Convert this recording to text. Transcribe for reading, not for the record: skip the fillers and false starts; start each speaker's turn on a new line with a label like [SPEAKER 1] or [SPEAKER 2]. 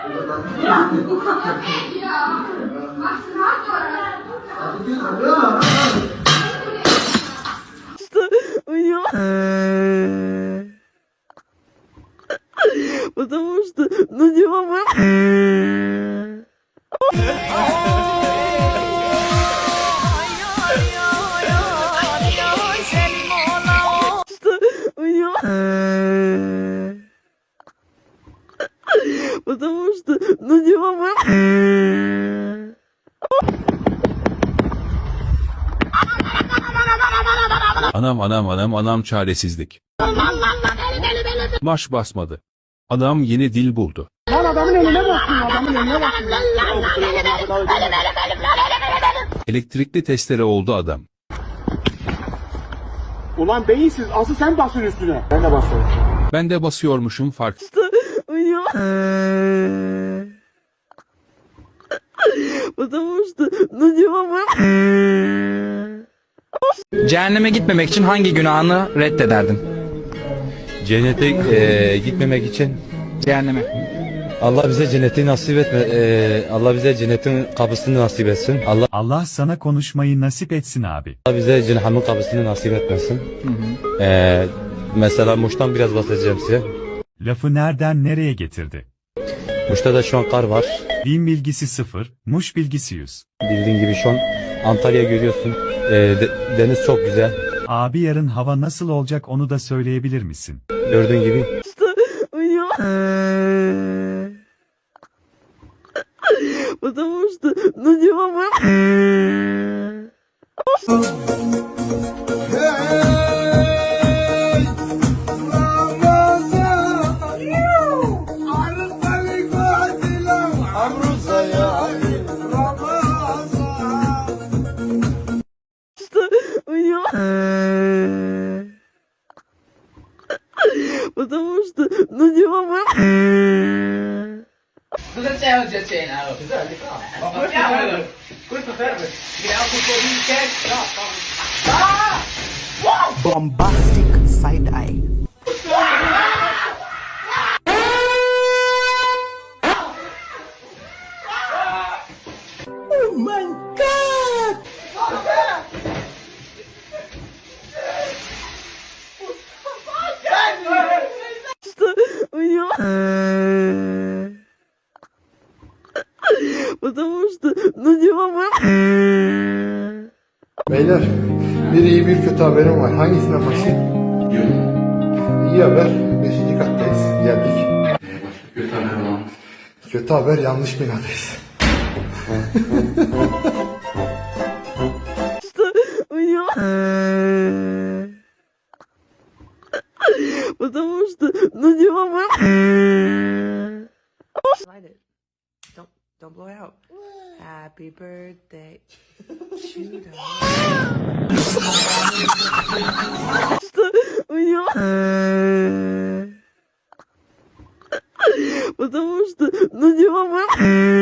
[SPEAKER 1] Потому что, ну не мама. Потому что, ну не мама.
[SPEAKER 2] Anam çaresizlik. Baş basmadı. Adam yeni dil buldu.
[SPEAKER 3] Lan adamın önüne baksın, adamın önüne baksın.
[SPEAKER 2] Elektrikli testere oldu adam.
[SPEAKER 3] Ulan beyinsiz, asıl sen basın üstüne. Ben de basıyorum.
[SPEAKER 2] Ben de basıyormuşum fark.
[SPEAKER 1] Потому что, ну не мама.
[SPEAKER 4] Cehenneme gitmemek için hangi günahını reddederdin?
[SPEAKER 5] Cennete gitmemek için
[SPEAKER 4] Cehenneme.
[SPEAKER 5] Allah bize cenneti nasip etme. Allah bize cennetin kapısını nasip etsin.
[SPEAKER 6] Allah sana konuşmayı nasip etsin abi.
[SPEAKER 5] Allah bize cehennemin kapısını nasip etmesin. Mesela Muş'tan biraz bahsedeceğim size.
[SPEAKER 6] Lafı nereden nereye getirdi?
[SPEAKER 5] Muş'ta da şu an kar var.
[SPEAKER 6] Din bilgisi 0, Muş bilgisi 100.
[SPEAKER 5] Bildiğin gibi şu an Antalya görüyorsun. Deniz çok güzel.
[SPEAKER 6] Abi yarın hava nasıl olacak onu da söyleyebilir misin?
[SPEAKER 5] Gördüğün gibi.
[SPEAKER 1] Потому что, ну не мама. Потому что, ну не мама.
[SPEAKER 7] Cosa c'è oggi a cena? Ma portiamolo! Questo serve! Vediamo un po' di testa!
[SPEAKER 8] Bombastic side eye. Oh my god!
[SPEAKER 1] Потому что, ну не мама.
[SPEAKER 9] Beyler, bir iyi bir kötü haberim var. Hangisinden başlayayım? İyi haber, 5. kattayız. Geldik. Kötü haber var. Kötü haber, yanlış binadayız.
[SPEAKER 1] Потому что, ну не мама.
[SPEAKER 8] Light it. Don't blow it out. Happy birthday. Shoot
[SPEAKER 1] Потому что, ну не мама.